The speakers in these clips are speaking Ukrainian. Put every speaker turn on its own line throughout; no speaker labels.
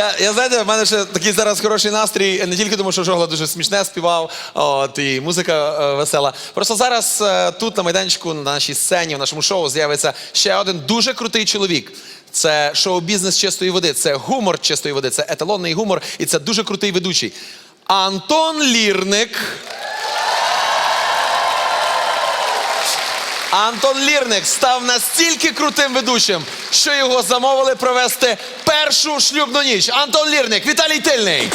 Я знаєте, в мене ще такий зараз хороший настрій, не тільки тому, що Жогла дуже смішне співав, і музика весела. Просто зараз тут на майданчику, на нашій сцені, в нашому шоу з'явиться ще один дуже крутий чоловік. Це шоу-бізнес чистої води, це гумор чистої води, це еталонний гумор, і це дуже крутий ведучий. Антон Лірник. Антон Лірник став настільки крутим ведучим, що його замовили провести першу шлюбну ніч. Антон Лірник, Віталій Тильний.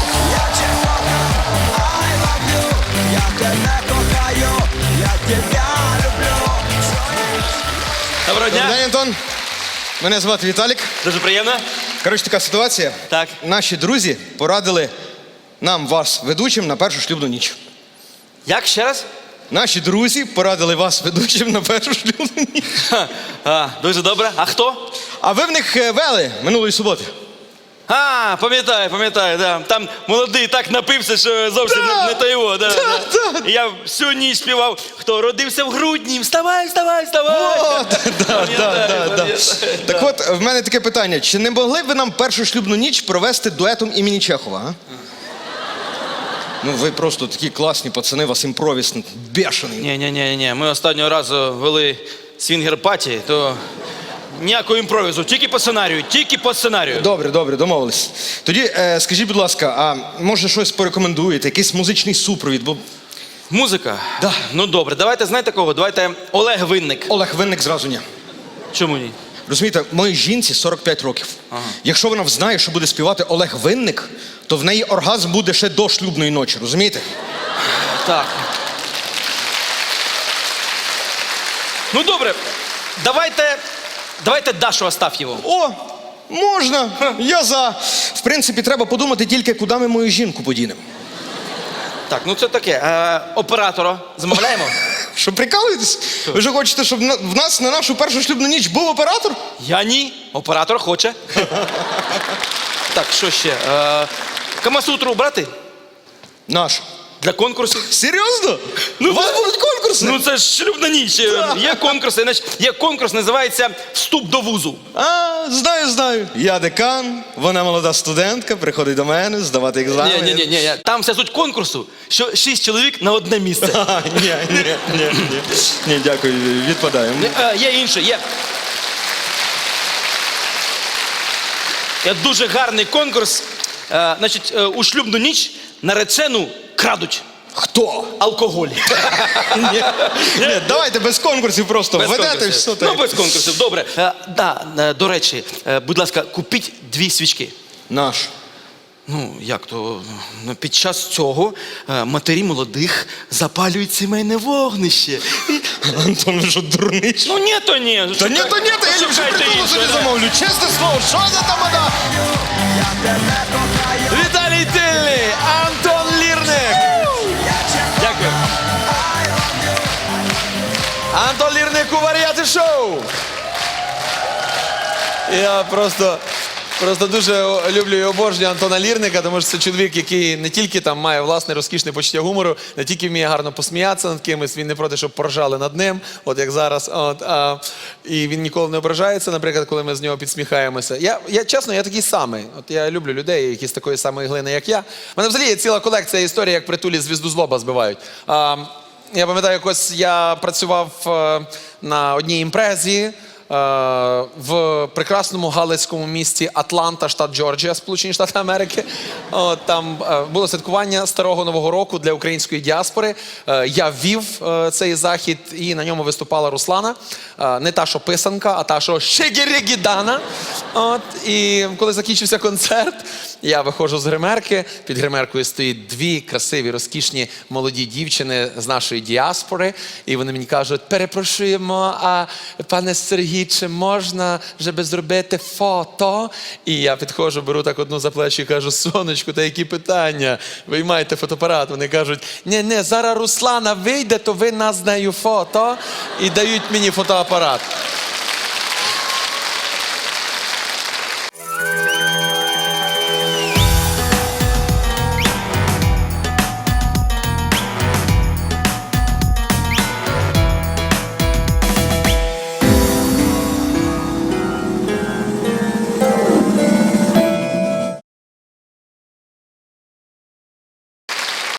Доброго дня.
Добрий день, Антон. Мене звати Віталік.
Дуже приємно.
Коротше, така ситуація.
Так.
Наші друзі порадили нам вас ведучим на першу шлюбну ніч.
Як ще раз?
Наші друзі порадили вас ведучим на першу шлюбну ніч.
Дуже добре. А хто?
А ви в них вели минулої суботи.
Пам'ятаю, да. Там молодий так напився, що зовсім не то його. Да. І я всю ніч співав, хто родився в грудні, вставай.
О,
Пам'ятаю.
Так от, в мене таке питання. Чи не могли б ви нам першу шлюбну ніч провести дуетом імені Чехова, а? Ну, ви просто такі класні пацани, у вас імпровіз бешений.
Ні. Ми останнього разу вели свінгер-паті, то ніякого імпровізу, тільки по сценарію.
Добре, домовились. Тоді скажіть, будь ласка, а може щось порекомендуєте, якийсь музичний супровід? Бо...
Музика?
Да.
Ну добре, давайте, знаєте кого? Давайте Олег Винник.
Олег Винник зразу ні.
Чому ні?
Розумієте, моїй жінці 45 років.
Ага.
Якщо вона знає, що буде співати Олег Винник, то в неї оргазм буде ще до шлюбної ночі, розумієте?
Так. Ну добре, давайте Дашу Астаф'єву.
О, можна, я за. В принципі, треба подумати тільки, куди ми мою жінку подінемо.
Так, ну це таке. Оператора замовляємо?
Що, прикалуєтесь? Ви ж хочете, щоб в нас на нашу першу шлюбну ніч був оператор?
Я ні. Оператор хоче. Так, що ще? Камасутру брати?
Наш.
Для конкурсів?
Серйозно?
Ну,
У вас будуть конкурси?
Ну це ж шлюбна ніч. Є конкурси. Значить, є конкурс, називається «Вступ до вузу».
А, знаю. Я декан, вона молода студентка, приходить до мене здавати екзамен.
Ні. Там вся суть конкурсу, що 6 чоловік на одне місце.
Ні, дякую, відпадаємо.
Є інше, є. Є дуже гарний конкурс. Значить, у шлюбну ніч наречену крадуть.
Хто?
Алкоголь.
Ні, давайте без конкурсів просто.
Без
Ведете
конкурсів.
все
Ну,
так.
без конкурсів, добре. До речі, будь ласка, купіть 2 свічки.
Наш.
Ну, як то, під час цього матері молодих запалюють сімейне вогнище.
Антон, ви що, дурний?
Ну, ні, то ні.
Я ліпше притулу собі
інше.
замовлю. Чесне слово, що за тамада?
Віталій Тильний, Антон Лірник.
Дякую.
Антон Лірник у Варіати шоу. Я просто дуже люблю і обожнюю Антона Лірника, тому що це чоловік, який не тільки там має власне розкішне почуття гумору, не тільки вміє гарно посміятися над кимось, він не проти, щоб поржали над ним, от як зараз. І він ніколи не ображається, наприклад, коли ми з нього підсміхаємося. Чесно, я такий самий. От я люблю людей, які з такої самої глини, як я. У мене взагалі є ціла колекція історій, як притулі звізду з лоба збивають. Я пам'ятаю, якось я працював на одній імпрезі в прекрасному галицькому місті Атланта, штат Джорджія, Сполучені Штати Америки. Там було святкування Старого Нового року для української діаспори. Я ввів цей захід, і на ньому виступала Руслана. Не та, що писанка, а та, що шегірігідана. І коли закінчився концерт, я виходжу з гримерки. Під гримеркою стоїть 2 красиві, розкішні молоді дівчини з нашої діаспори. І вони мені кажуть: перепрошуємо, а пане Сергій, чи можна, щоб зробити фото? І я підходжу, беру так одну за плечі і кажу: сонечко, та які питання? Виймайте фотоапарат. Вони кажуть: ні, зараз Руслана вийде, то ви нас з нею фото. І дають мені фотоапарат.